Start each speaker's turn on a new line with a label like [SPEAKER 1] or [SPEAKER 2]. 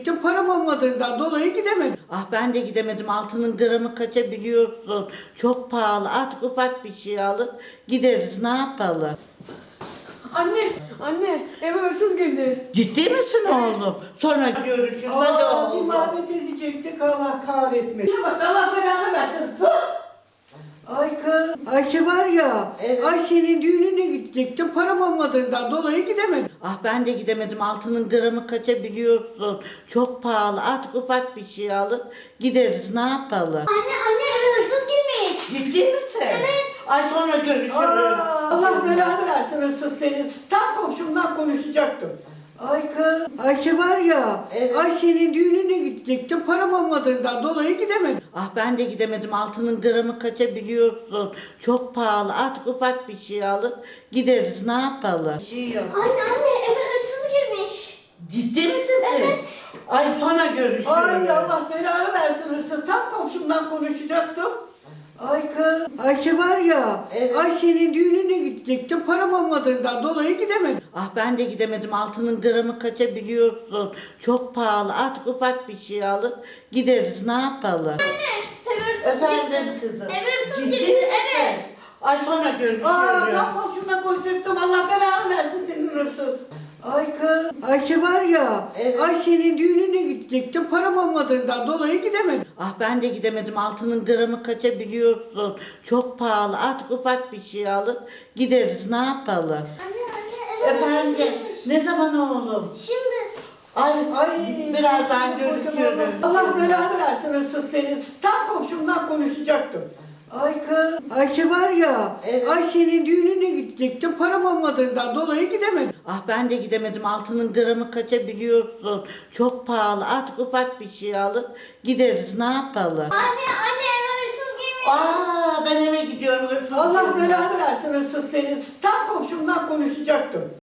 [SPEAKER 1] gidecektim. Param olmadığından dolayı gidemedim.
[SPEAKER 2] Ah ben de gidemedim. Altının gramı kaça biliyorsun? Çok pahalı. Artık ufak bir şey alıp gideriz. Ne yapalım?
[SPEAKER 3] Anne, eve hırsız girdi.
[SPEAKER 2] Ciddi misin oğlum? Sonra görüşürüz. Hadi oğlum.
[SPEAKER 1] İmanet edecektik, Allah kahretmesin. Bak Allah belanı versin. Ay kız, Ayşe var ya,
[SPEAKER 2] Evet.
[SPEAKER 1] Ayşe'nin düğününe gidecektim. Param olmadığından dolayı gidemedim.
[SPEAKER 2] Ah ben de gidemedim. Altının gramı kaça biliyorsun? Çok pahalı. Artık ufak bir şey alıp gideriz. Ne yapalım?
[SPEAKER 4] Anne eve hırsız girmiş.
[SPEAKER 2] Ciddi misin? Evet. Ay sonra görüşürüz.
[SPEAKER 1] Allah belanı versin hırsız senin. Tam komşumdan konuşacaktım. Ay kız, Ayşe var ya,
[SPEAKER 2] Evet.
[SPEAKER 1] Ayşe'nin düğününe gidecektim. Param olmadığından dolayı gidemedim.
[SPEAKER 2] Ah ben de gidemedim. Altının gramı kaça biliyorsun? Çok pahalı. Artık ufak bir şey alıp gideriz. Ne yapalım? Bir şey yok.
[SPEAKER 4] Anne eve hırsız girmiş.
[SPEAKER 2] Ciddi misin?
[SPEAKER 4] Evet.
[SPEAKER 2] Ay sonra görüşürüz.
[SPEAKER 1] Ay Allah belanı versin hırsız. Tam komşumdan konuşacaktım. Ay kız, Ayşe var ya,
[SPEAKER 2] Evet.
[SPEAKER 1] Ayşe'nin düğününe gidecektim. Param olmadığından dolayı gidemedim.
[SPEAKER 2] Ah ben de gidemedim. Altının gramı kaça biliyorsun? Çok pahalı. Artık ufak bir şey alıp gideriz. Ne yapalım?
[SPEAKER 4] Eve hırsız
[SPEAKER 2] Efendim
[SPEAKER 4] girdi.
[SPEAKER 2] kızım.
[SPEAKER 4] Eve hırsız
[SPEAKER 2] Ciddi
[SPEAKER 4] girdi.
[SPEAKER 2] misin?
[SPEAKER 4] Evet.
[SPEAKER 2] Ay sonra görüşürüz.
[SPEAKER 1] Tam komşumdan konuşacaktım. Allah belanı versin senin hırsız. Ay kız, Ayşe var ya,
[SPEAKER 2] Evet.
[SPEAKER 1] Ayşe'nin düğününe gidecektim. Param olmadığından dolayı gidemedim.
[SPEAKER 2] Ah ben de gidemedim. Altının gramı kaça biliyorsun? Çok pahalı. Artık ufak bir şey alıp gideriz. Ne yapalım?
[SPEAKER 4] Anne eve hırsız
[SPEAKER 2] Efendim.
[SPEAKER 4] girmiş.
[SPEAKER 2] Ne zaman oğlum?
[SPEAKER 4] Şimdi.
[SPEAKER 2] Ay birazdan görüşürüz.
[SPEAKER 1] Allah belanı versin hırsız senin. Tam komşumdan konuşacaktım. Ay kız, Ayşe var ya,
[SPEAKER 2] Evet.
[SPEAKER 1] Ayşe'nin düğününe gidecektim. Param olmadığından dolayı gidemedim.
[SPEAKER 2] Ah ben de gidemedim. Altının gramı kaça biliyorsun? Çok pahalı. Artık ufak bir şey alıp gideriz. Ne yapalım?
[SPEAKER 4] Anne eve hırsız girmiş.
[SPEAKER 2] Aa ben eve gidiyorum. Hırsız
[SPEAKER 1] Allah
[SPEAKER 2] geliyor.
[SPEAKER 1] belanı versin hırsız senin. Tam komşumdan konuşacaktım.